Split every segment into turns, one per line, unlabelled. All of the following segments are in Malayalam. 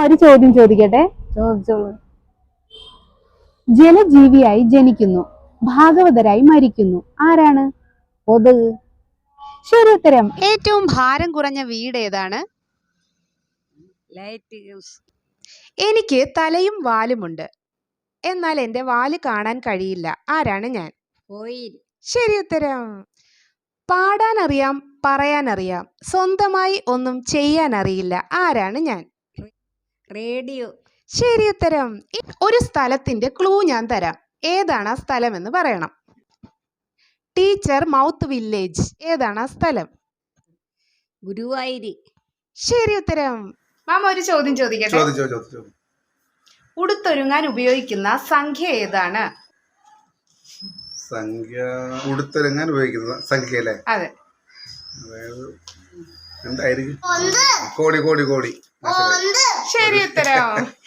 ഒരു ചോദ്യം ചോദിക്കട്ടെ?
ചോദിച്ചോളൂ.
ജലജീവിയായി ജനിക്കുന്നു, ഭാഗവതരായി മരിക്കുന്നു, ആരാണ്?
കൊതുക്.
ശരി ഉത്തരം. ഏറ്റവും ഭാരം കുറഞ്ഞ വീട് ഏതാണ്?
Light house.
എനിക്ക് തലയും വാലുമുണ്ട്, എന്നാൽ എന്റെ വാല് കാണാൻ കഴിയില്ല, ആരാണ് ഞാൻ?
കോയിൽ.
ശരി ഉത്തരം. പാടാൻ അറിയാം, പറയാൻ അറിയാം, സ്വന്തമായി ഒന്നും ചെയ്യാൻ അറിയില്ല, ആരാണ് ഞാൻ?
റേഡിയോ.
ശരി ഉത്തരം. ഒരു സ്ഥലത്തിന്റെ ക്ലൂ ഞാൻ തരാം, ഏതാണ് ആ സ്ഥലം എന്ന് പറയണം. ടീച്ചർ മൗത്ത് വില്ലേജ്, ഏതാണ് ആ സ്ഥലം?
ഗുരുവായൂര്.
ശരി ഉത്തരം. മാമ ഒരു ചോദ്യം ചോദിക്കട്ടെ? ഉടുത്തൊരുങ്ങാൻ ഉപയോഗിക്കുന്ന സംഖ്യ ഏതാണ്?
സംഖ്യ ഉടുത്തൊരുങ്ങാൻ ഉപയോഗിക്കുന്ന സംഖ്യ അല്ലേ?
അതെ.
അതായത് എന്തായിരിക്കും? കോടി കോടി കോടി.
ശരി ഉത്തരം.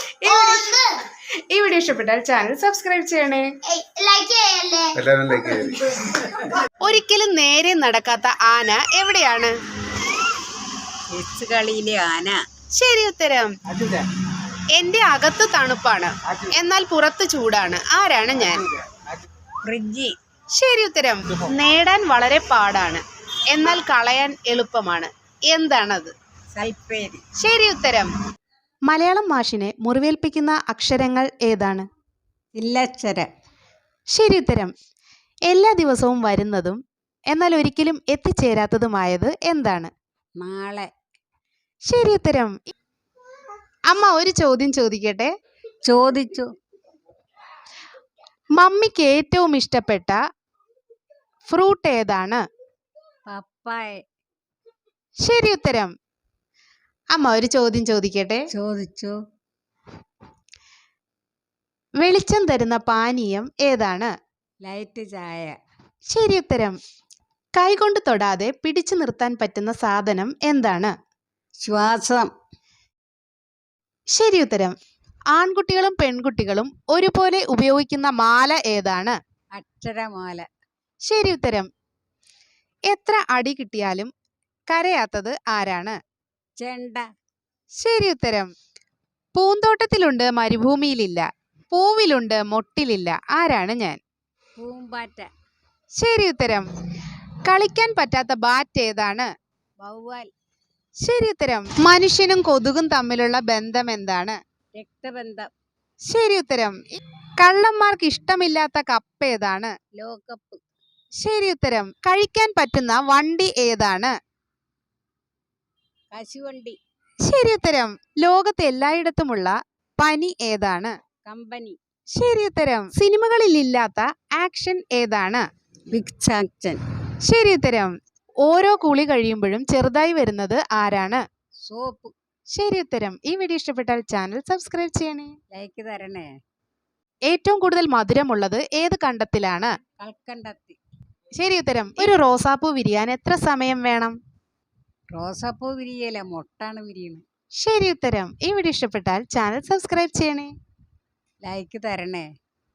ഈ വീഡിയോ ഇഷ്ടപ്പെട്ടാൽ ചാനൽ സബ്സ്ക്രൈബ് ചെയ്യണേ,
എല്ലാവരും ലൈക്ക് ചെയ്യണം.
ഒരിക്കലും നേരെ നടക്കാത്ത ആന എവിടെയാണ്?
ചെസ് കളിയിലെ ആന.
ശരി ഉത്തരം. എന്റെ അകത്ത് തണുപ്പാണ്, എന്നാൽ പുറത്ത് ചൂടാണ്, ആരാണ് ഞാൻ?
ഫ്രിഡ്ജ്.
ശരി ഉത്തരം. നേടാൻ വളരെ പാടാണ്, എന്നാൽ കളയാൻ എളുപ്പമാണ്, എന്താണത്?
സൽപ്പേര്.
ശരി ഉത്തരം. മലയാളം മാഷിനെ മുറിവേൽപ്പിക്കുന്ന അക്ഷരങ്ങൾ ഏതാണ്?
ചില്ലക്ഷരം.
ശരി ഉത്തരം. എല്ലാ ദിവസവും വരുന്നതും എന്നാൽ ഒരിക്കലും എത്തിച്ചേരാത്തതുമായത് എന്താണ്?
നാളെ.
ശരി ഉത്തരം. അമ്മ ഒരു ചോദ്യം ചോദിക്കട്ടെ?
ചോദിച്ചു.
മമ്മിക്ക് ഏറ്റവും ഇഷ്ടപ്പെട്ട ഫ്രൂട്ട് ഏതാണ്?
പപ്പായ.
ശരി ഉത്തരം. അമ്മ ഒരു ചോദ്യം ചോദിക്കട്ടെ?
ചോദിച്ചു.
വെളിച്ചം തരുന്ന പാനീയം ഏതാണ്?
ലൈറ്റ് ചായ.
ശരി ഉത്തരം. കൈകൊണ്ട് തൊടാതെ പിടിച്ചു നിർത്താൻ പറ്റുന്ന സാധനം എന്താണ്?
ശ്വാസം.
ശരി ഉത്തരം. ആൺകുട്ടികളും പെൺകുട്ടികളും ഒരുപോലെ ഉപയോഗിക്കുന്ന മാല ഏതാണ്?
അക്ഷരമാല.
ശരി ഉത്തരം. എത്ര അടി കിട്ടിയാലും കരയാത്തത് ആരാണ്?
ചെണ്ട.
ശരി ഉത്തരം. പൂന്തോട്ടത്തിലുണ്ട്, മരുഭൂമിയിലില്ല, പൂവിലുണ്ട്, മൊട്ടിലില്ല, ആരാണ് ഞാൻ?
പൂമ്പാറ്റ.
ശരി ഉത്തരം. കളിക്കാൻ പറ്റാത്ത ബാറ്റ് ഏതാണ്?
വവ്വാൽ.
ശരി ഉത്തരം. മനുഷ്യനും കൊതുകും തമ്മിലുള്ള ബന്ധം എന്താണ്?
രക്തബന്ധം.
ശരി ഉത്തരം. കള്ളന്മാർക്ക് ഇഷ്ടമില്ലാത്ത കപ്പ് ഏതാണ്?
ലോകകപ്പ്.
ശരി ഉത്തരം. കഴിക്കാൻ പറ്റുന്ന വണ്ടി ഏതാണ്?
കശുവണ്ടി.
ശരി ഉത്തരം. ലോകത്ത് എല്ലായിടത്തുമുള്ള പനി ഏതാണ്?
കമ്പനി.
ശരി ഉത്തരം. സിനിമകളിൽ ഇല്ലാത്ത ആക്ഷൻ ഏതാണ്?
Big action.
ശരി ഉത്തരം. ഓരോ കുളി കഴിയുമ്പോഴും ചെറുതായി വരുന്നത് ആരാണ്?
സോപ്പ്.
ശരി ഉത്തരം. ഈ വീഡിയോ ഇഷ്ടപ്പെട്ടാൽ ചാനൽ സബ്സ്ക്രൈബ് ചെയ്യണേ,
ലൈക്ക് തരണേ.
ഏറ്റവും കൂടുതൽ മധുരമുള്ളത് ഏത് കണ്ടത്തിലാണ്?
കൽക്കണ്ടത്തി.
ശരി ഉത്തരം. ഒരു റോസാപ്പൂ വിരിയാൻ എത്ര സമയം വേണം?
റോസാപ്പൂ വിരിയല, മൊട്ടാണ് വിരിയണത്.
ശരി ഉത്തരം. ഈ വീഡിയോ ഇഷ്ടപ്പെട്ടാൽ ചാനൽ സബ്സ്ക്രൈബ് ചെയ്യണേ,
ലൈക്ക് തരണേ.